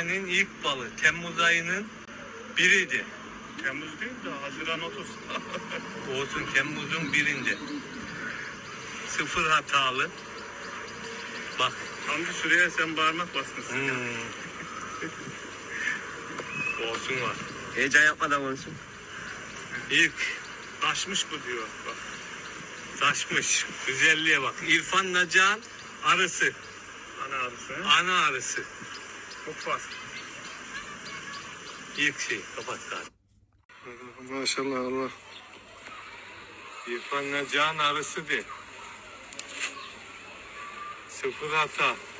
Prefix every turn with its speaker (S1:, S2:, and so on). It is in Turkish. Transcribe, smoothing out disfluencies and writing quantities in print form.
S1: senenin ilk balı. Temmuz ayının biriydi.
S2: Temmuz değil de Haziran 30.
S1: Olsun, Temmuz'un birinde. Sıfır hatalı. Bak.
S2: Hamdi şuraya sen parmak basmışsın.
S1: Olsun var.
S3: Heyecan yapmadan konuşun.
S1: İlk
S2: Taşmış bu diyor. Bak.
S1: taşmış. Güzelliğe bak. İrfan Nacan arısı.
S2: Ana arısı.
S1: Ana arısı.
S2: Çok fazla.
S1: İlk şey. Kapat galiba.
S2: Maşallah Allah.
S1: İrfan Nacan arısı de. Sıfır hata.